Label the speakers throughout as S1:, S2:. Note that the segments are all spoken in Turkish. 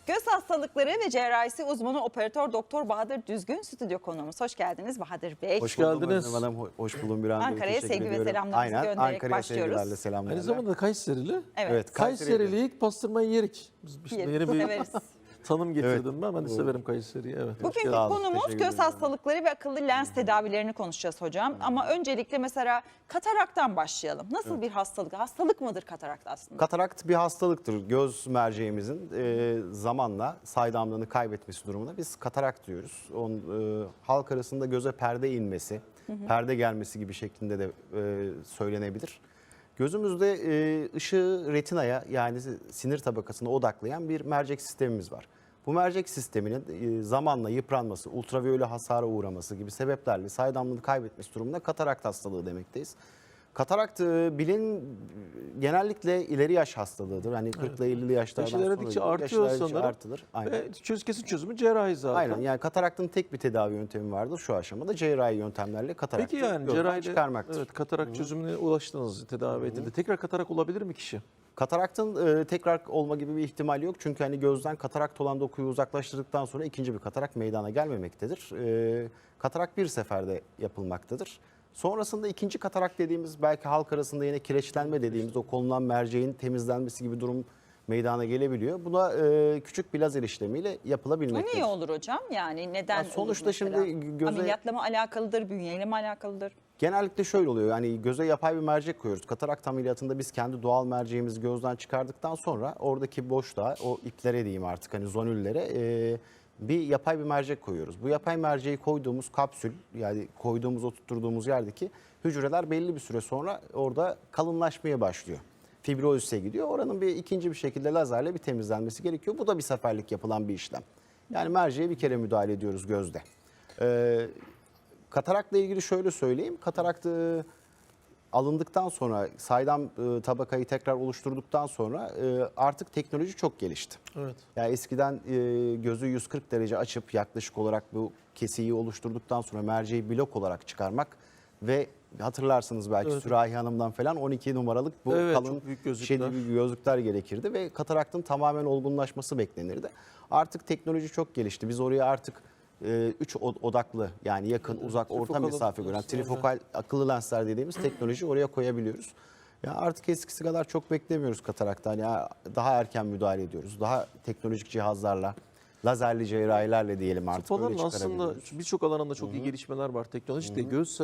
S1: Göz hastalıkları ve cerrahisi uzmanı operatör doktor Bahadır Düzgün stüdyo konuğumuz. Hoş geldiniz Bahadır Bey.
S2: Hoş geldiniz.
S3: Hanım, hoş buldum bir anda.
S1: Ankara'ya sevgi ve selamlarımızı
S3: Aynen,
S1: göndererek
S3: Ankara'ya
S1: başlıyoruz.
S3: sevgilerle selamlarla.
S2: Aynı zamanda Kayserili.
S1: Evet.
S2: Kayseri'li ilk pastırmayı yerik. Biz işte
S1: Yeriz,
S2: yeni bir
S1: severiz.
S2: tanım getirdim ben. Ben de severim Kayseri'yi. Evet.
S1: Bugünkü
S3: Sağ olun,
S1: konumuz
S3: teşekkür
S1: göz
S3: ederim.
S1: hastalıkları ve akıllı lens tedavilerini konuşacağız hocam. Ama öncelikle mesela kataraktan başlayalım. Nasıl bir hastalık? Hastalık mıdır katarakt aslında?
S3: Katarakt bir hastalıktır. Göz merceğimizin zamanla saydamlığını kaybetmesi durumunda biz katarakt diyoruz. Halk arasında göze perde inmesi, perde gelmesi gibi şeklinde de söylenebilir. Gözümüzde ışığı retinaya yani sinir tabakasına odaklayan bir mercek sistemimiz var. Bu mercek sisteminin zamanla yıpranması, ultraviyole hasara uğraması gibi sebeplerle saydamlığını kaybetmesi durumunda katarakt hastalığı demekteyiz. Katarakt genellikle ileri yaş hastalığıdır. Hani 40 ile 50'li yaşlardan
S2: Yaş ilerledikçe
S3: sonra
S2: artıyor
S3: yaşlar
S2: sanırım.
S3: artılır. Aynen.
S2: Ve kesin çözümü cerrahi zaten.
S3: Aynen, yani kataraktın tek bir tedavi yöntemi vardır şu aşamada. Cerrahi yöntemlerle kataraktı
S2: Peki yani
S3: gözden
S2: cerrahide
S3: çıkarmaktır.
S2: evet, katarak çözümüne ulaştınız, tedavi edildi. Tekrar katarak olabilir mi kişi?
S3: Kataraktın tekrar olma gibi bir ihtimal yok. Çünkü hani gözden katarakt olan dokuyu uzaklaştırdıktan sonra ikinci bir katarak meydana gelmemektedir. Katarak bir seferde yapılmaktadır. Sonrasında ikinci katarak dediğimiz belki halk arasında yine kireçlenme dediğimiz o konulan merceğin temizlenmesi gibi durum meydana gelebiliyor. Buna küçük bir lazer işlemiyle
S1: Bu
S3: yapılabilimektedir.
S1: niye olur hocam? Yani neden
S3: Ya sonuçta
S1: olur mesela?
S3: şimdi göze-
S1: Ameliyatla mı alakalıdır, bünyeyle mi alakalıdır?
S3: Genellikle şöyle oluyor, yani göze yapay bir mercek koyuyoruz. Katarakt ameliyatında biz kendi doğal merceğimizi gözden çıkardıktan sonra oradaki boşluğa, o iplere diyeyim artık hani zonüllere bir yapay bir mercek koyuyoruz. Bu yapay merceği koyduğumuz kapsül, yani koyduğumuz, oturtturduğumuz yerdeki hücreler belli bir süre sonra orada kalınlaşmaya başlıyor. Fibrozise gidiyor. Oranın ikinci bir şekilde lazerle bir temizlenmesi gerekiyor. Bu da bir seferlik yapılan bir işlem. Yani merceğe bir kere müdahale ediyoruz gözde. Katarakla ilgili şöyle söyleyeyim. Katarakt alındıktan sonra, saydam tabakayı tekrar oluşturduktan sonra artık teknoloji çok gelişti.
S2: Evet.
S3: Yani eskiden gözü 140 derece açıp yaklaşık olarak bu kesiyi oluşturduktan sonra merceği blok olarak çıkarmak ve hatırlarsınız belki
S2: Evet.
S3: Sürahi Hanım'dan falan 12 numaralık bu
S2: Evet,
S3: kalın
S2: çok büyük gözlükler.
S3: gözlükler gerekirdi ve kataraktın tamamen olgunlaşması beklenirdi. Artık teknoloji çok gelişti. Biz oraya artık 3 odaklı yani yakın, uzak, orta
S2: Trifokal
S3: mesafe gören
S2: lensler,
S3: trifokal akıllı lensler dediğimiz teknoloji oraya koyabiliyoruz. Ya artık eskisi kadar çok beklemiyoruz kataraktan. Ya daha erken müdahale ediyoruz. Daha teknolojik cihazlarla, lazerli cerrahilerle diyelim artık
S2: Tıp
S3: öyle
S2: alanında aslında
S3: çıkarabiliyoruz.
S2: birçok alanında çok iyi gelişmeler var. Teknolojide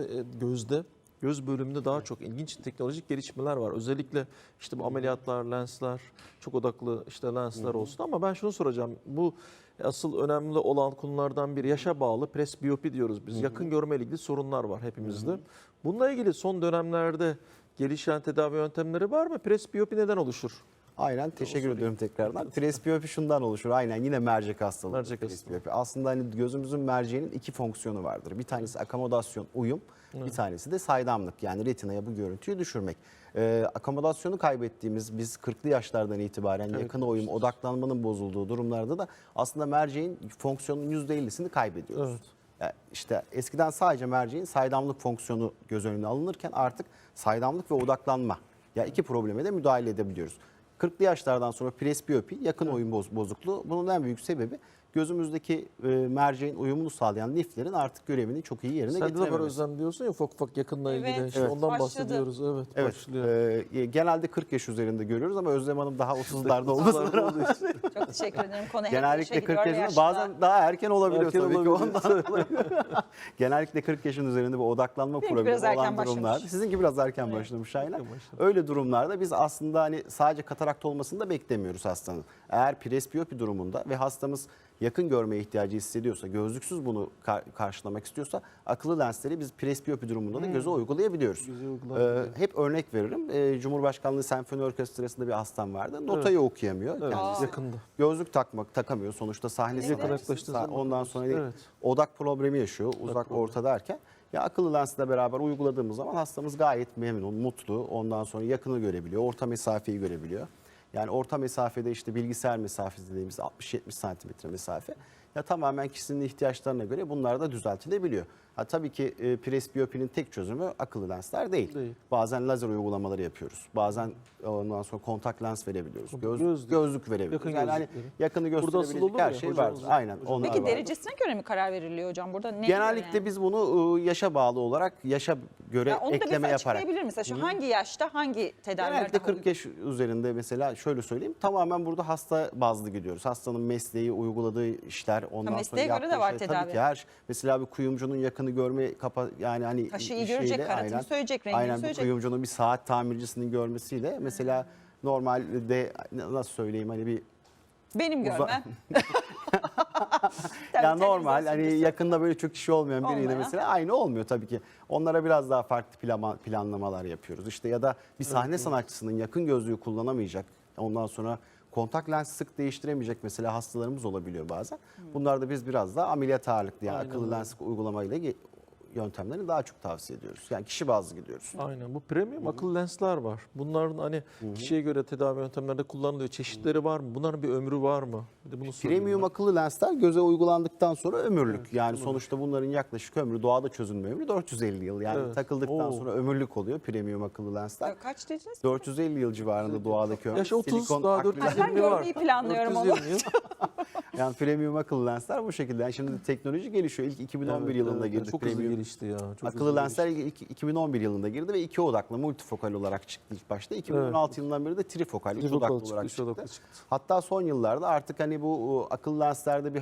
S2: göz bölümünde daha çok ilginç teknolojik gelişmeler var. Özellikle işte bu ameliyatlar, lensler, çok odaklı işte lensler olsun ama ben şunu soracağım. Bu asıl önemli olan konulardan biri yaşa bağlı presbiyopi diyoruz biz. Yakın görme ile ilgili sorunlar var hepimizde. Bununla ilgili son dönemlerde gelişen tedavi yöntemleri var mı? Presbiyopi neden oluşur?
S3: Aynen, teşekkür ediyorum tekrardan. Presbiyopi şundan oluşur. Aynen, yine mercek hastalığı.
S2: Mercek
S3: Presbiyopi. Aslında hani gözümüzün merceğinin iki fonksiyonu vardır. Bir tanesi akomodasyon, uyum. Bir tanesi de saydamlık, yani retinaya bu görüntüyü düşürmek. Akomodasyonu kaybettiğimiz, biz 40'lı yaşlardan itibaren yakın uyum, odaklanmanın bozulduğu durumlarda da aslında merceğin fonksiyonunun %50'sini kaybediyoruz.
S2: Evet.
S3: Yani işte eskiden sadece merceğin saydamlık fonksiyonu göz önüne alınırken artık saydamlık ve odaklanma, ya iki probleme de müdahale edebiliyoruz. 40'lı yaşlardan sonra presbiyopi, yakın oyun bozukluğu, bunun en büyük sebebi gözümüzdeki merceğin uyumunu sağlayan liflerin artık görevini çok iyi yerine
S2: Sen de var
S3: getirememesi.
S2: Özlem diyorsun ya ufak ufak yakınla ilgili.
S1: Evet,
S2: İşte
S1: evet.
S2: ondan
S1: Başladı.
S2: bahsediyoruz. Evet,
S3: Evet,
S2: başlıyor.
S3: genelde 40 yaş üzerinde görüyoruz ama Özlem Hanım daha 30'larda olmasına rağmen
S1: Çok teşekkür ederim. Konu hep
S3: genellikle
S1: yaşa
S3: 40
S1: gidiyor ve
S3: yaşında, bazen daha erken olabiliyor
S2: Erken
S3: tabii
S2: olabiliyor.
S3: ki ondan dolayı. Genellikle 40 yaşın üzerinde bir odaklanma
S1: Benimki
S3: problemi
S1: biraz erken
S3: olan durumlar.
S1: başlamış.
S3: Sizinki biraz erken başlamış aynen.
S2: Erken başladı.
S3: Öyle durumlarda biz aslında hani sadece katarakt olmasını da beklemiyoruz hastanın. Eğer presbiyopi durumunda ve hastamız yakın görmeye ihtiyacı hissediyorsa, gözlüksüz bunu karşılamak istiyorsa akıllı lensleri biz presbiyopi durumunda da göze uygulayabiliyoruz.
S2: Göze uygulayabiliyor.
S3: Hep örnek veririm. Cumhurbaşkanlığı Senfoni Orkestrası'nda bir hastam vardı. Notayı okuyamıyor.
S2: Evet,
S3: Kendisi
S2: yakında.
S3: gözlük takamıyor. Sonuçta sahnesi
S2: Yakın
S3: var.
S2: yaklaştığı zaman
S3: Ondan sonra
S2: evet.
S3: odak problemi yaşıyor. Uzak
S2: problemi.
S3: orta derken. Ya akıllı lensle beraber uyguladığımız zaman hastamız gayet memnun, mutlu. Ondan sonra yakını görebiliyor, orta mesafeyi görebiliyor. Yani orta mesafede işte bilgisayar mesafesi dediğimiz 60-70 santimetre mesafe. Ya tamamen kişinin ihtiyaçlarına göre bunlar da düzeltilebiliyor. Ha, tabii ki presbiyopinin tek çözümü akıllı lensler değil.
S2: Değil.
S3: Bazen lazer uygulamaları yapıyoruz. Bazen ondan sonra kontak lens verebiliyoruz.
S2: Gözlük.
S3: Gözlük verebiliyoruz.
S2: Yakın
S3: Yani hani
S2: gözlükleri.
S3: yakını
S2: Burada asıl
S3: gösterebilecek
S2: olur
S3: her
S2: ya,
S3: şey
S2: hocamız-
S3: vardır. Aynen. Onlar
S1: Peki
S3: vardır.
S1: derecesine göre mi karar veriliyor hocam? Burada ne
S3: Genellikle
S1: yani?
S3: biz bunu yaşa bağlı olarak yaşa göre
S1: Ya onu da
S3: ekleme
S1: mesela
S3: yaparak.
S1: açıklayabilir misin? Şu hangi yaşta hangi tedaviler
S3: Genellikle
S1: daha
S3: 40 yaş üzerinde mesela şöyle söyleyeyim. Tamamen burada hasta bazlı gidiyoruz. Hastanın mesleği, uyguladığı işler, ondan sonra
S1: mesleğe göre
S3: yaptığı
S1: de var
S3: şey.
S1: tedavi.
S3: Tabii ki mesela bir kuyumcunun yakını görme yani hani
S1: Taşı iyi görecek, karatını söyleyecek, rengini
S3: aynen, bir
S1: söyleyecek.
S3: kuyumcunun bir saat tamircisinin görmesiyle mesela normalde nasıl söyleyeyim hani bir
S1: Benim
S3: Uza-
S1: görmem.
S3: yani
S1: Tabii,
S3: normal hani
S1: televizyon
S3: yakında böyle çok kişi olmayan biriyle
S1: Olmayan.
S3: mesela aynı olmuyor tabii ki. Onlara biraz daha farklı planlamalar yapıyoruz. İşte ya da bir sahne sanatçısının yakın gözlüğü kullanamayacak. Ondan sonra kontak lens sık değiştiremeyecek mesela hastalarımız olabiliyor bazen. Bunlar da biz biraz daha ameliyat ağırlıklı yani
S2: Aynen
S3: akıllı
S2: öyle.
S3: lens uygulamayla yöntemlerini daha çok tavsiye ediyoruz. Yani kişi bazlı gidiyoruz.
S2: Aynen. Bu premium akıllı lensler var. Bunların hani kişiye göre tedavi yöntemlerinde kullanılıyor. Çeşitleri var mı? Bunların bir ömrü var mı? Bir de bunu sorayım
S3: Premium
S2: ben.
S3: akıllı lensler göze uygulandıktan sonra ömürlük. Yani sonuçta bunların yaklaşık ömrü, doğada çözünme ömrü 450 yıl. Yani
S2: Evet.
S3: takıldıktan
S2: Oo.
S3: sonra ömürlük oluyor premium akıllı lensler.
S1: Kaç dediniz?
S3: 450 yıl civarında doğadaki ömrü.
S2: Yaş 30
S3: Silikon
S2: daha
S3: akrilik-
S2: 420
S1: Ben
S2: var.
S1: görmeyi planlıyorum ama.
S2: 420 yıl.
S3: Yani premium akıllı lensler bu şekilde. Yani şimdi teknoloji gelişiyor. İlk 2011
S2: Evet,
S3: yılında
S2: evet,
S3: girdi
S2: çok hızlı
S3: premium.
S2: gelişti ya. Çok
S3: Akıllı
S2: hızlı
S3: lensler 2011 yılında girdi ve iki odaklı multifokal olarak çıktı ilk başta. 2016 yılından beri de trifokal, üç
S2: Trifokal
S3: odaklı olarak
S2: üç
S3: çıktı.
S2: odaklı çıktı.
S3: Hatta son yıllarda artık hani bu akıllı lenslerde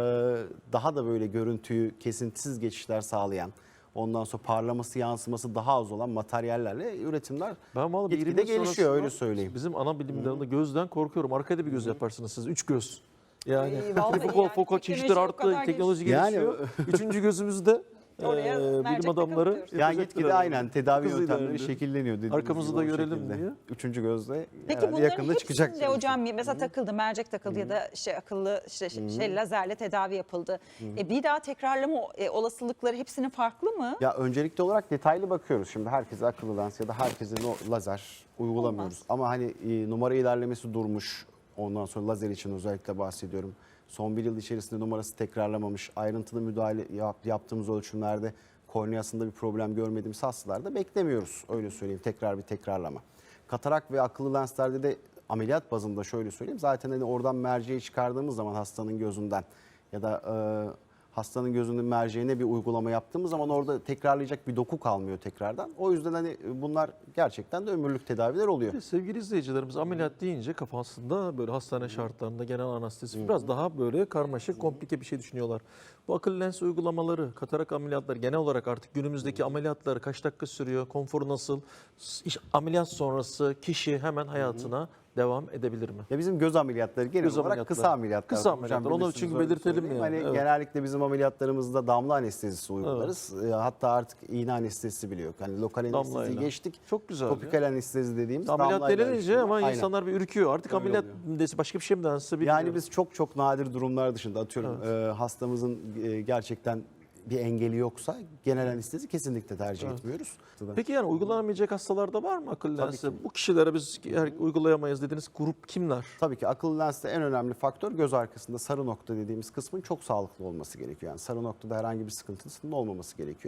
S3: daha da böyle görüntüyü kesintisiz geçişler sağlayan, ondan sonra parlaması, yansıması daha az olan materyallerle üretimler
S2: Ben vallahi bir
S3: gitgide
S2: 20 yıl
S3: gelişiyor öyle
S2: sonrasında
S3: söyleyeyim.
S2: Bizim ana bilim dalında gözden korkuyorum. Arkada bir göz yaparsınız siz. 3 göz. Yani
S1: vallahi
S2: trifokal,
S1: yani
S2: fokal
S1: teknoloji
S2: çeşitler
S1: o
S2: arttı.
S1: kadar
S2: Teknoloji
S3: Yani-
S2: gelişiyor. Üçüncü gözümüzde
S1: Oraya mercek
S2: bilim adamları
S1: takılıyoruz.
S3: Yani
S2: yapacaklar
S3: gitgide
S2: herhalde.
S3: aynen tedavi
S2: Çok hızlı
S3: yöntemleri
S2: ilerliyor.
S3: şekilleniyor. dediğiniz
S2: Arkamızı
S3: gibi
S2: da
S3: o
S2: görelim
S3: şekilde.
S2: diye.
S3: Üçüncü gözle
S1: Peki
S3: herhalde
S1: bunların
S3: yakında çıkacak.
S1: hepsinde hocam mesela takıldı, mercek takıldı ya da işte akıllı şey lazerle tedavi yapıldı. Bir daha tekrarlama olasılıkları hepsinin farklı mı?
S3: Ya öncelikli olarak detaylı bakıyoruz. Şimdi herkese akıllı lens ya da herkese lazer uygulamıyoruz.
S1: Olmaz.
S3: Ama hani numara ilerlemesi durmuş. Ondan sonra lazer için özellikle bahsediyorum. Son bir yıl içerisinde numarası tekrarlamamış. Ayrıntılı müdahale yaptığımız ölçümlerde korneasında bir problem görmediğimiz hastalarda beklemiyoruz. Öyle söyleyeyim, tekrar bir tekrarlama. Katarak ve akıllı lenslerde de ameliyat bazında şöyle söyleyeyim. Zaten hani oradan merceği çıkardığımız zaman hastanın gözünden ya da hastanın gözünün merceğine bir uygulama yaptığımız zaman orada tekrarlayacak bir doku kalmıyor tekrardan. O yüzden hani bunlar gerçekten de ömürlük tedaviler oluyor.
S2: Sevgili izleyicilerimiz ameliyat deyince kafasında böyle hastane şartlarında genel anestezi biraz daha böyle karmaşık, komplike bir şey düşünüyorlar. Bu akıllı lens uygulamaları, katarak ameliyatları genel olarak artık günümüzdeki ameliyatları kaç dakika sürüyor, konforu nasıl, ameliyat sonrası kişi hemen hayatına devam edebilir mi?
S3: Ya bizim göz ameliyatları genel
S2: Göz
S3: olarak
S2: ameliyatları.
S3: kısa ameliyatlar.
S2: Kısa
S3: Hocam
S2: ameliyatlar. Onu
S3: bilirsiniz,
S2: çünkü
S3: öyle
S2: belirtelim
S3: söyleyeyim.
S2: yani.
S3: Hani
S2: Evet.
S3: genellikle bizim ameliyatlarımızda damla anestezisi uygularız. Hatta artık iğne anestezisi bile yok. Hani lokal anesteziyi
S2: Damlayla.
S3: geçtik.
S2: Çok güzel
S3: Topikal anestezi dediğimiz
S2: Ameliyat
S3: damlayla
S2: denilince
S3: işliyor.
S2: ama
S3: Aynen.
S2: insanlar bir ürküyor. Artık
S3: Öyle
S2: ameliyat
S3: oluyor.
S2: dese başka bir şey mi dense bilmiyorum.
S3: Yani biz çok nadir durumlar dışında atıyorum hastamızın gerçekten bir engeli yoksa genel anestezi kesinlikle tercih etmiyoruz.
S2: Peki yani uygulanamayacak hastalarda var mı akıllı
S3: Tabii
S2: lensi?
S3: ki.
S2: Bu kişilere biz uygulayamayız dediğiniz grup kimler?
S3: Tabii ki akıllı lenste en önemli faktör göz arkasında sarı nokta dediğimiz kısmın çok sağlıklı olması gerekiyor. Yani sarı noktada herhangi bir sıkıntısının olmaması gerekiyor.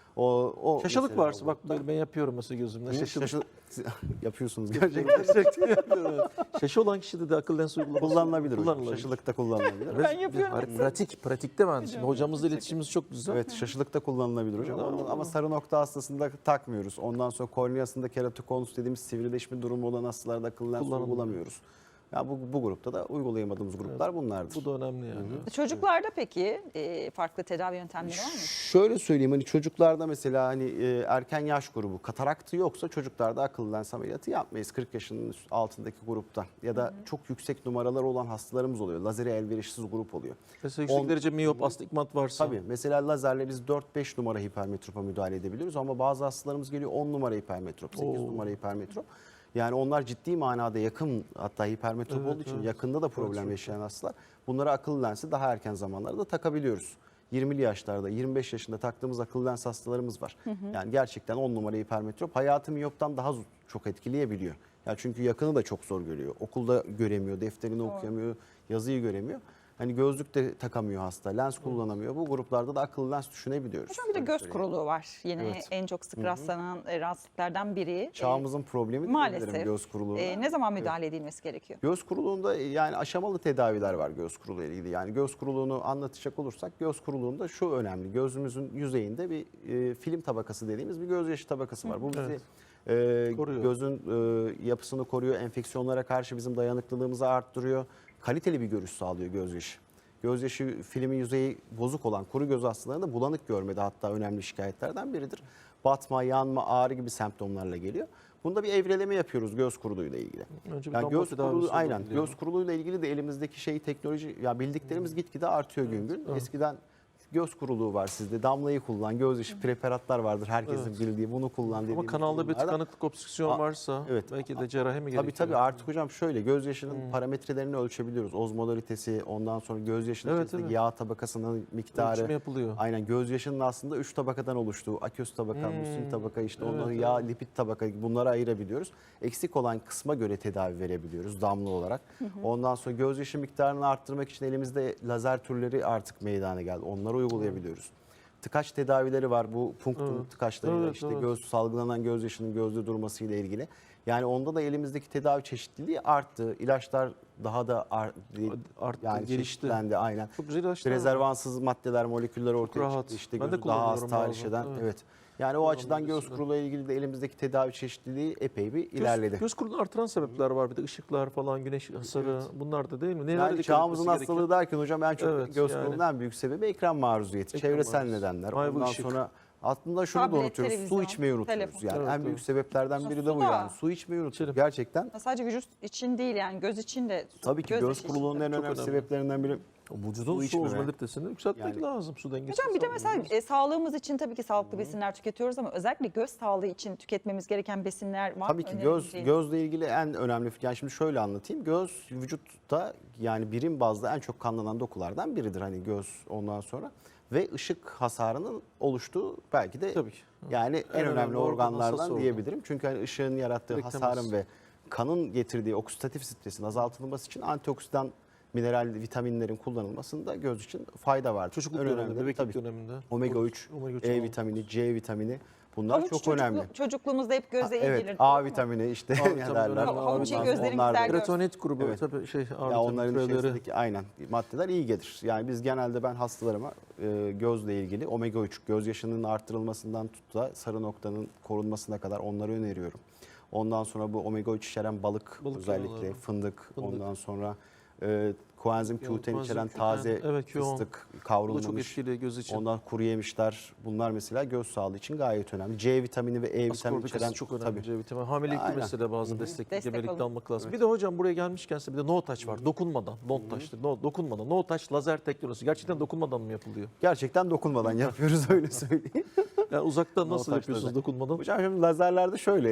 S3: O
S2: Şaşılık
S3: mesela
S2: varsa bak böyle ben yapıyorum mesela gözümde. Şaşılık.
S3: yapıyorsunuz gerçekten.
S2: Gerçekten yapıyorum. Evet. Şaşı olan kişide de akıllı lens uygulaması
S3: Kullanılabilir hocam.
S2: kullanılabilir.
S3: Şaşılıkta kullanılabilir.
S1: Ben yapıyorum.
S2: Pratikte ben şimdi hocamızla iletişimimiz çok güzel.
S3: Evet, şaşılıkta kullanılabilir hocam. Ama sarı nokta hastasında takmıyoruz. Ondan sonra korneasında keratokonus dediğimiz sivrileşme durumu olan hastalarda akıllı lens
S2: Kullanılmıyor.
S3: uygulamıyoruz. Ya bu grupta da uygulayamadığımız gruplar bunlardır.
S2: Bu da önemli yani.
S1: Çocuklarda peki farklı tedavi yöntemleri var mı?
S3: Şöyle söyleyeyim hani çocuklarda mesela hani erken yaş grubu kataraktı yoksa çocuklarda akıllı lens ameliyatı yapmayız 40 yaşının altındaki grupta ya da çok yüksek numaralar olan hastalarımız oluyor. Lazere elverişsiz grup oluyor.
S2: Mesela yüksek derece miyop, astigmat varsa.
S3: Tabii mesela lazerle biz 4-5 numara hipermetropa müdahale edebiliyoruz ama bazı hastalarımız geliyor 10 numara hipermetrop, 8 numara hipermetrop. Yani onlar ciddi manada yakın hatta hipermetrop olduğu için yakında da problem yaşayan hastalar. Bunlara akıllı lensi daha erken zamanlarda takabiliyoruz. 20'li yaşlarda, 25 yaşında taktığımız akıllı lens hastalarımız var. Yani gerçekten 10 numara hipermetrop hayatı miyoptan daha çok etkileyebiliyor. Ya çünkü yakını da çok zor görüyor. Okulda göremiyor, defterini okuyamıyor, yazıyı göremiyor. Hani gözlük de takamıyor hasta, lens kullanamıyor. Bu gruplarda da akıllı lens düşünebiliyoruz.
S1: Hocam bir de
S3: Öyle
S1: göz
S3: söyleyeyim.
S1: kuruluğu var. Yine
S3: Evet.
S1: en çok sık rastlanan rahatsızlıklardan biri.
S3: Çağımızın problemi
S1: Maalesef.
S3: diyebilirim göz kuruluğuna.
S1: Ne zaman müdahale edilmesi gerekiyor?
S3: Göz kuruluğunda yani aşamalı tedaviler var göz kuruluğu ile ilgili. Yani göz kuruluğunu anlatacak olursak göz kuruluğunda şu önemli. Gözümüzün yüzeyinde bir film tabakası dediğimiz bir gözyaşı tabakası var. Bu bizi
S2: Koruyor.
S3: gözün yapısını koruyor, enfeksiyonlara karşı bizim dayanıklılığımızı arttırıyor. Kaliteli bir görüş sağlıyor gözyaşı. Gözyaşı filmin yüzeyi bozuk olan kuru göz hastalarında bulanık görmede hatta önemli şikayetlerden biridir. Batma, yanma, ağrı gibi semptomlarla geliyor. Bunda bir evreleme yapıyoruz göz kuruluğuyla ilgili.
S2: Önce bir
S3: Yani
S2: damla
S3: göz
S2: tedavisi
S3: kuruluğu aynen
S2: olabiliyor.
S3: göz kuruluğuyla ilgili de elimizdeki teknoloji ya bildiklerimiz gitgide artıyor gün gün. Eskiden göz kuruluğu var sizde. Damlayı kullan, gözyaşı preparatlar vardır herkesin bildiği. Bunu kullan dediğimiz
S2: Ama kanalda bir
S3: durumlarda-
S2: tıkanıklık, obstrüksiyon varsa
S3: evet.
S2: belki de cerrahi mi gerekiyor?
S3: Tabii artık hocam şöyle gözyaşının parametrelerini ölçebiliyoruz. Ozmolaritesi, ondan sonra gözyaşının
S2: Evet,
S3: içerisindeki
S2: evet.
S3: yağ tabakasının miktarı.
S2: Ölçümü yapılıyor.
S3: Aynen gözyaşının aslında 3 tabakadan oluştuğu, aqueous tabaka, musin tabaka işte onları
S2: Evet,
S3: yağ, lipid tabaka bunları ayırabiliyoruz. Eksik olan kısma göre tedavi verebiliyoruz damla olarak. Ondan sonra gözyaşı miktarını arttırmak için elimizde lazer türleri artık meydana geldi. Onları uygulayabiliyoruz. Tıkaç tedavileri var. Bu punktum tıkaçlarıyla
S2: Evet,
S3: işte
S2: evet.
S3: göz salgılanan gözyaşının gözde durması ile ilgili. Yani onda da elimizdeki tedavi çeşitliliği arttı. İlaçlar daha da
S2: Arttı,
S3: yani
S2: gelişti.
S3: çeşitlendi aynen.
S2: Çok güzel ilaçlar var.
S3: Rezervansız maddeler, moleküller ortaya
S2: rahat.
S3: çıktı. İşte
S2: Ben de
S3: gözü daha az
S2: kullanıyorum
S3: tahriş
S2: bazen,
S3: eden.
S2: evet.
S3: Evet. Yani o
S2: Kullanım
S3: açıdan göz
S2: öncesinde.
S3: kuruluğuyla ilgili de elimizdeki tedavi çeşitliliği epey bir ilerledi.
S2: Göz kuruluğunu artıran sebepler var. Bir de ışıklar falan, güneş hasarı bunlar da değil mi? Nelere
S3: Yani
S2: dikkat
S3: çağımızın
S2: etmesi
S3: hastalığı
S2: gerekiyor?
S3: derken hocam en çok
S2: Evet,
S3: göz
S2: yani.
S3: kuruluğunun en büyük sebebi ekran maruziyeti,
S2: Ekran
S3: çevresel
S2: maruziyeti.
S3: nedenler.
S2: Ay, bu
S3: Ondan
S2: ışık.
S3: sonra aslında şunu da
S1: Tablet,
S3: unutuyoruz. Su
S1: televizyon,
S3: içmeyi unutuyoruz.
S1: telefon.
S3: Yani
S2: Evet,
S3: en büyük
S2: evet.
S3: sebeplerden biri de
S1: Su
S3: bu
S1: da.
S3: yani. Su içmeyi unutuyoruz. Gerçekten.
S1: Sadece vücut için değil yani göz için de.
S3: Tabii ki göz
S1: yaşı için
S3: kuruluğunun
S1: de.
S3: en
S2: çok
S3: önemli
S2: önemli.
S3: sebeplerinden biri
S2: Vücudun su
S3: içmeme.
S2: ozmolitesini yükseltmek
S3: Yani-
S2: lazım. Su dengesi.
S1: Hocam bir de mesela sağlığımız için tabii ki sağlıklı besinler tüketiyoruz ama özellikle göz sağlığı için tüketmemiz gereken besinler var.
S3: Tabii ki gözle ilgili en önemli yani şimdi şöyle anlatayım. Göz vücutta yani birim bazda en çok kanlanan dokulardan biridir hani göz ondan sonra ve ışık hasarının oluştuğu belki de
S2: Tabii ki.
S3: yani en önemli
S2: organ, hassas
S3: organlardan
S2: organ.
S3: diyebilirim. Çünkü hani ışığın yarattığı
S2: Direkt
S3: hasarın
S2: temas.
S3: ve kanın getirdiği oksidatif stresin azaltılması için antioksidan mineral vitaminlerin kullanılmasında göz için fayda var.
S2: Çocukluk
S3: En
S2: döneminde,
S3: önemli
S2: bebeklik
S3: tabii
S2: döneminde.
S3: omega 3,
S2: Omega 3
S3: E
S2: almak
S3: vitamini, C vitamini bunlar
S1: Havuç
S3: çok önemli.
S1: Çocukluğumuzda hep göze iyi
S3: Evet,
S1: gelir.
S3: A
S1: doğru mu?
S3: vitamini işte
S2: A
S3: ne
S2: vitamini
S3: derler.
S2: önemli.
S1: Havuç iyi
S2: Onlar-
S1: gözlerimiz
S3: onlar da-
S1: der.
S2: Kretonit grubu
S3: Evet.
S2: tabii
S3: Ya onların
S2: türevleri.
S3: içerisindeki aynen maddeler iyi gelir. Yani biz genelde ben hastalarıma gözle ilgili omega 3 gözyaşının arttırılmasından tut da sarı noktanın korunmasına kadar onları öneriyorum. Ondan sonra bu omega 3 içeren balık özellikle
S2: yağları.
S3: fındık, ondan sonra koenzim Q10
S2: koenzim
S3: içeren
S2: Q10,
S3: taze
S2: evet, Q10.
S3: fıstık
S2: Bu da çok
S3: kavrulmamış.
S2: etkili göz için.
S3: Ondan kuru yemişler bunlar mesela göz sağlığı için gayet önemli. C vitamini ve E vitamini
S2: Askorbik
S3: içeren
S2: asit çok önemli.
S3: tabii.
S2: C vitamini. Hamilelikte
S3: Aynen.
S2: mesela bazı destek
S1: Destek
S2: gebelikte
S1: alın.
S2: almak lazım. Bir de hocam buraya gelmişken size bir de no touch var. Dokunmadan. Don't touch'tır. Dokunmadan. No touch lazer teknolojisi. Gerçekten dokunmadan mı yapılıyor?
S3: Gerçekten dokunmadan yapıyoruz öyle söyleyeyim.
S2: Yani uzaktan
S3: No
S2: nasıl
S3: touch
S2: yapıyorsunuz
S3: lazer.
S2: dokunmadan?
S3: Hocam şimdi lazerlerde şöyle,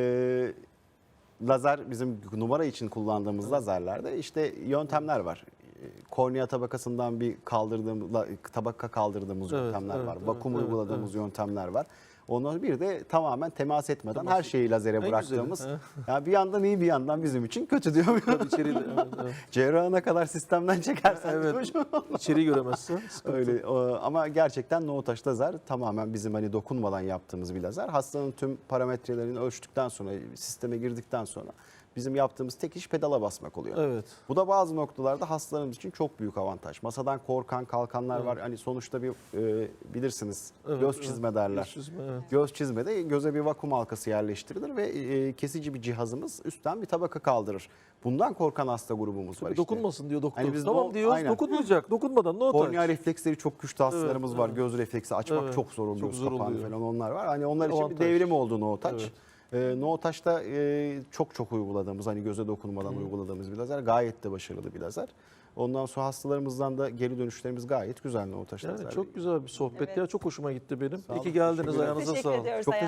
S3: lazer bizim numara için kullandığımız lazerlerde işte yöntemler var. Kornea tabakasından bir tabaka kaldırdığımız
S2: Evet,
S3: yöntemler
S2: evet,
S3: var.
S2: evet,
S3: Vakum
S2: evet,
S3: uyguladığımız yöntemler var. Ondan bir de tamamen temas etmeden
S2: Temas
S3: her şeyi lazere
S2: En
S3: bıraktığımız.
S2: güzeli,
S3: Yani bir yandan iyi bir yandan bizim için kötü diyor.
S2: Tabii içeriği de, evet.
S3: Cerrahına kadar sistemden çekersen
S2: Evet.
S3: hocam.
S2: İçeriği göremezsen sıkıntı.
S3: Öyle ama gerçekten no touch lazer tamamen bizim hani dokunmadan yaptığımız bir lazer. Hastanın tüm parametrelerini ölçtükten sonra sisteme girdikten sonra bizim yaptığımız tek iş pedala basmak oluyor.
S2: Evet.
S3: Bu da bazı noktalarda hastalarımız için çok büyük avantaj. Masadan korkan kalkanlar
S2: Evet.
S3: var. Hani sonuçta bir bilirsiniz
S2: Evet,
S3: göz
S2: evet.
S3: çizme derler.
S2: Göz çizme, evet.
S3: Göz çizmede göze bir vakum halkası yerleştirilir ve kesici bir cihazımız üstten bir tabaka kaldırır. Bundan korkan hasta grubumuz var işte.
S2: Dokunmasın diyor doktor.
S3: Hani biz
S2: Tamam diyoruz
S3: aynen.
S2: dokunmayacak. Dokunmadan no touch.
S3: Kornea refleksleri çok güçlü hastalarımız
S2: Evet,
S3: var.
S2: evet.
S3: Göz refleksi açmak
S2: Evet,
S3: çok zor oluyor.
S2: çok
S3: Göz
S2: zor
S3: kapağını
S2: oluyor.
S3: falan onlar var. Hani onlar için bir
S2: Avantaj.
S3: devrim oldu no touch.
S2: Evet.
S3: No touch'ta çok uyguladığımız hani göze dokunmadan uyguladığımız bir lazer. Gayet de başarılı bir lazer. Ondan sonra hastalarımızdan da geri dönüşlerimiz gayet güzel no touch
S2: Yani
S3: lazer.
S2: çok güzel bir sohbet
S1: Evet.
S2: ya. Çok hoşuma gitti benim.
S3: Sağ
S2: İyi
S3: olun,
S2: ki geldiniz.
S3: teşekkür ederim.
S2: Ayağınıza
S1: Teşekkür
S2: sağlık.
S1: ediyoruz.
S3: Çok